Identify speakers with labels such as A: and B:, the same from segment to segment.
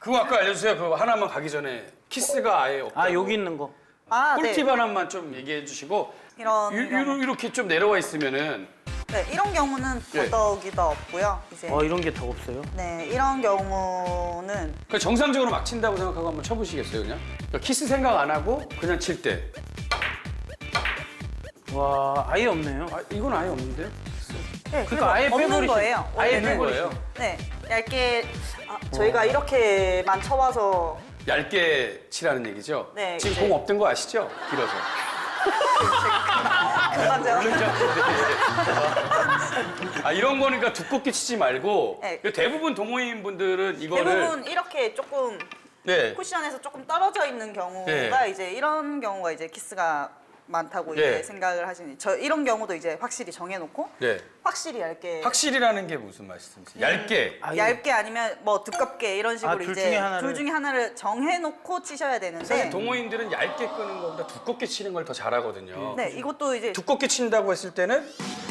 A: 그거 아까 알려주세요. 그거 하나만 가기 전에 키스가 아예 없다.
B: 아 여기 있는 거.
C: 아,
A: 꿀팁
C: 네.
A: 하나만 좀 얘기해 주시고
C: 이런 경우.
A: 이렇게 좀 내려와 있으면은
C: 네, 이런 경우는
A: 예.
C: 더더욱이 없고요. 이제
B: 이런 게 더 없어요?
C: 네, 이런 경우는
A: 그냥 정상적으로 막 친다고 생각하고 한번 쳐보시겠어요, 그냥? 그러니까 키스 생각 안 하고 그냥 칠 때.
B: 와 아예 없네요.
A: 아, 이건 아예 없는데?
C: 네,
B: 그러니까 아예
C: 없는
B: 빼버리시-
C: 거예요.
B: 아예
C: 원래는.
A: 거예요?
C: 네, 얇게 저희가 이렇게만 쳐봐서
A: 얇게 치라는 얘기죠?
C: 네,
A: 지금
C: 이제-
A: 공 없던 거 아시죠? 길어서.
C: 금방 제가
A: 아, 이런 거니까 두껍게 치지 말고
C: 네.
A: 대부분 동호인 분들은 이거를
C: 대부분 이렇게 조금
A: 네.
C: 쿠션에서 조금 떨어져 있는 경우가
A: 네.
C: 이제 이런 경우가 이제 키스가 많다고
A: 네.
C: 이제 생각을 하시니 저 이런 경우도 이제 확실히 정해놓고
A: 네.
C: 확실히 얇게
A: 확실이라는 게 무슨 말씀이세요? 얇게.
B: 아예.
C: 얇게 아니면 뭐 두껍게 이런 식으로
B: 둘
C: 이제
B: 중에 하나를.
C: 둘 중에 하나를 정해놓고 치셔야 되는데
A: 사실 동호인들은 얇게 끄는 것보다 두껍게 치는 걸 더 잘하거든요.
C: 네 이것도 이제
A: 두껍게 친다고 했을 때는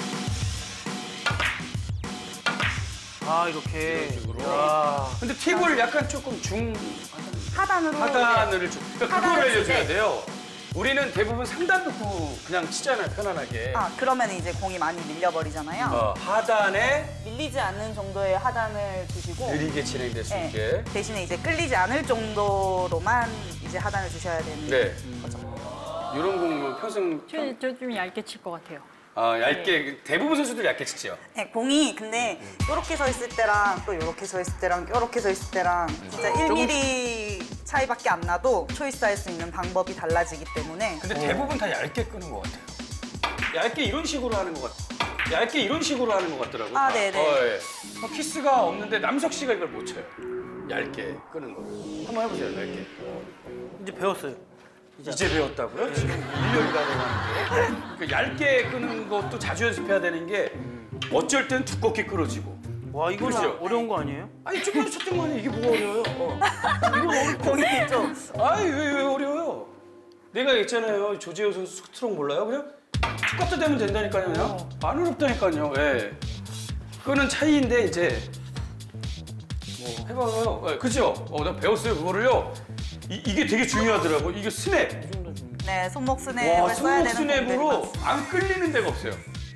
B: 아 이렇게.
A: 이런 식으로.
B: 야.
A: 근데 팁을 약간 조금
C: 하단으로
A: 하단을 좀 그러니까 그걸
C: 하단을
A: 알려줘야
C: 칠 때.
A: 돼요. 우리는 대부분 상단 놓고 그냥 치잖아요, 편안하게.
C: 그러면 이제 공이 많이 밀려버리잖아요.
A: 하단에
C: 밀리지 않는 정도의 하단을 두시고
A: 느리게 진행될 수
C: 네,
A: 있게.
C: 대신에 이제 끌리지 않을 정도로만 이제 하단을 주셔야 되는
A: 네. 이런 공은 평생
D: 저좀 얇게 칠 것 같아요.
A: 얇게 대부분 선수들 얇게 치죠.
C: 네, 공이 근데 이렇게 서 있을 때랑 또 이렇게 서 있을 때랑 이렇게 서 있을 때랑 진짜 1mm 차이밖에 안 나도 초이스할 수 있는 방법이 달라지기 때문에
A: 근데 대부분 다 얇게 끄는 것 같아요. 얇게 이런 식으로 하는 것 같아요. 얇게 이런 식으로 하는 것 같더라고요.
C: 아, 네네.
A: 예. 키스가 없는데 남석 씨가 이걸 못 쳐요. 얇게 끄는 거. 한번 해보세요, 얇게.
B: 이제 배웠어요.
A: 이제 배웠다고요? 지금 1년이 다 돼가는데. 그 얇게 끄는 것도 자주 연습해야 되는 게 어쩔 땐 두껍게 끌어지고.
B: 와 이거
A: 그렇죠?
B: 어려운 거 아니에요?
A: 아니 조금 쳤던 거 아니에요? 이게 뭐가 어려워요?
C: 공이 좀
A: 아니 왜 어려워요? 내가 있잖아요. 조재호 선수 스트로크 몰라요? 그냥 똑같다 되면 된다니까요. 그냥 안 어렵다니까요. 예. 그거는 차이인데 이제 뭐 해봐요. 예, 그죠? 내가 배웠어요 그거를요. 이게 되게 중요하더라고. 이게 스냅.
C: 네, 손목
A: 와,
C: 스냅을 써야
A: 손목
C: 되는
A: 스냅으로
C: 공들이
A: 안 끌리는 데가 없어요.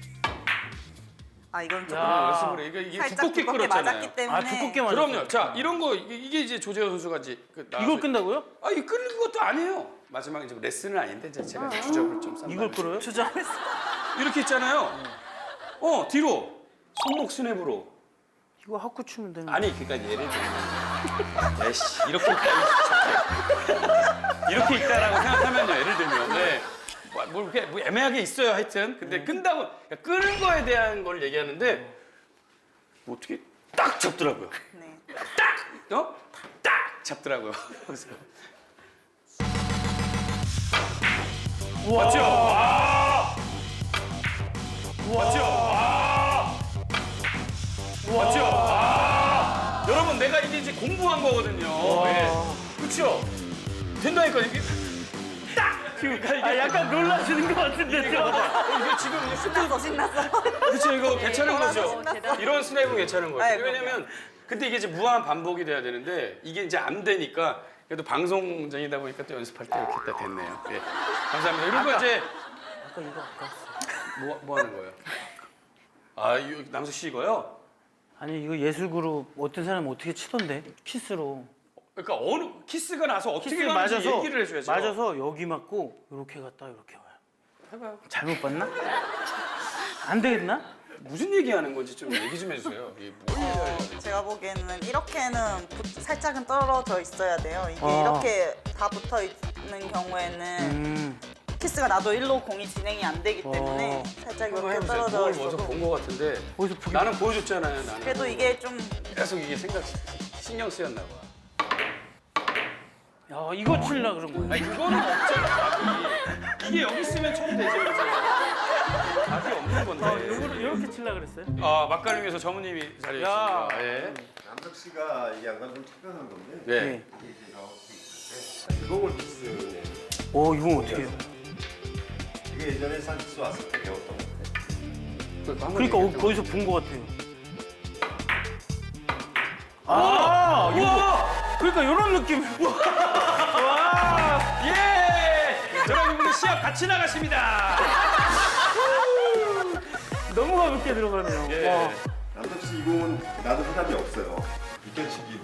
C: 이건 조금
B: 야.
A: 연습을 해. 이게
C: 살짝
A: 두껍게
C: 두껍게
A: 끌었잖아요.
C: 맞았기 때문에
B: 아 두껍게 맞았어요.
A: 그럼요. 자 이런 거 이게 이제 조재호 선수가 이제
B: 이걸 끈다고요?
A: 이 끓는 것도 아니에요. 마지막에 이제 레슨은 아닌데 이제 제가 주접을 좀 싼
B: 이걸
A: 다음에.
B: 끌어요?
A: 이렇게 있잖아요. 뒤로 손목 스냅으로.
B: 이거 하쿠 추면 되는 거.
A: 아니 그러니까 예를 들면 에이씨 이렇게 있다 이렇게 있다라고 생각하면요. 예를 들면 뭐 이렇게 뭐 애매하게 있어요. 하여튼 근데 끈다고 그러니까 끄는 거에 대한 걸 얘기하는데 뭐 어떻게 딱 잡더라고요.
C: 네.
A: 딱 잡더라고요. 그래서 맞죠? 맞죠? 맞죠? 여러분 내가 이게 이제 공부한 거거든요. 그렇죠? 된다니까 이게 딱. 그러니까 이게
B: 약간 놀라시는 것 같은데.
A: 이게 지금 이제
C: 신났어 신났어.
A: 그렇죠 이거 괜찮은
C: 놀라서
A: 거죠?
C: 신났어.
A: 이런 스냅은 괜찮은 거죠.
C: 네,
A: 왜냐면 근데 이게 이제 무한 반복이 돼야 되는데 이게 이제 안 되니까 그래도 방송쟁이다 보니까 또 연습할 때 이렇게 딱 됐네요. 예. 감사합니다. 이런 거 이제
B: 아까 이거 아까.
A: 뭐 하는 거예요? 이거 남수 씨 이거요?
B: 아니 이거 예술 그룹 어떤 사람 어떻게 치던데 키스로.
A: 그러니까 어느 키스가 나서 어떻게
B: 키스
A: 가는지
B: 맞아서
A: 얘기를 해줘야죠.
B: 맞아서 여기 맞고 이렇게 갔다 이렇게 와요.
A: 해봐요.
B: 잘못 봤나? 안 되겠나?
A: 무슨 얘기하는 건지 좀 얘기 좀 해주세요. 이게 뭘 얘기해야 돼?
C: 제가 보기에는 이렇게는 살짝은 떨어져 있어야 돼요. 이게
B: 아.
C: 이렇게 다 붙어 있는 경우에는 키스가 나도 일로 공이 진행이 안 되기 때문에 살짝
A: 한번
C: 이렇게
A: 해보세요.
C: 떨어져
A: 뭘 어디서
C: 있어도
A: 본 거 같은데
B: 어디서 보기-
A: 나는 보여줬잖아요. 나는
C: 그래도 이게 좀
A: 계속 이게 신경 쓰였나 봐.
B: 야 이거 칠라 그런 거예요.
A: 아니 그거는 없잖아. 답이. 이게 여기 있으면 처음 되죠. 그죠? 답이 없는 건데.
B: 이거를 이렇게 칠라 그랬어요?
A: 막갈림에서 전무님이 자리에
B: 야.
A: 있습니다. 예.
E: 남석 씨가 이 양간 좀 특별한 건데
A: 네.
E: 이게 나올 수 있을 때 그걸 키스
B: 이건 어떻게 해요?
E: 이게 예전에 산키스 왔을 때 배웠던 건데
B: 그러니까 거기서 본 것 같아요.
A: 우와!
B: 그러니까 이런 느낌.
A: 와, 예! 저랑 이분은 시합 같이 나가십니다.
B: 너무 가볍게 들어가네요.
A: 예.
B: 와.
E: 남석 씨 이 공은 나도 해답이 없어요. 비껴치기로.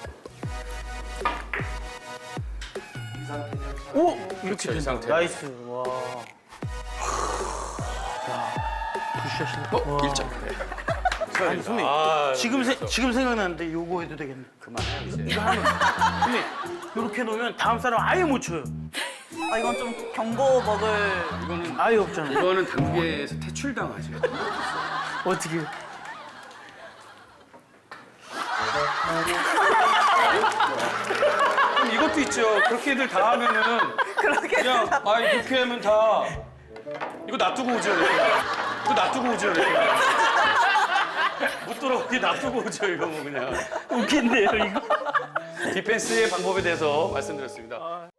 E: 이 상태면 참-
B: 오 이렇게
A: 그렇죠, 이
B: 된다.
A: 상태.
B: 나이스. 와. 야, 굿샷이네. 와.
A: 1점.
B: 아니 선배
A: 아,
B: 지금 생각나는데 요거 해도 되겠네.
A: 그만해 이제.
B: 이거 하면 선배 이렇게 놓으면 다음 사람 아예 못 쳐요.
C: 아, 이건 좀 경고 먹을.
A: 이거는
B: 아예 없잖아.
A: 이거는 당구계에서 퇴출당하죠.
B: 어떻게?
A: 그럼 이것도 있죠. 그렇게들 다 하면은 그냥 아이 그렇게 하면 다 이거 놔두고 오죠. 이렇게. 이거 놔두고 오죠. 이렇게. 못 돌아오게 놔두고 오죠. 이거 뭐 그냥.
B: 웃긴데요 이거.
A: 디펜스의 방법에 대해서 말씀드렸습니다.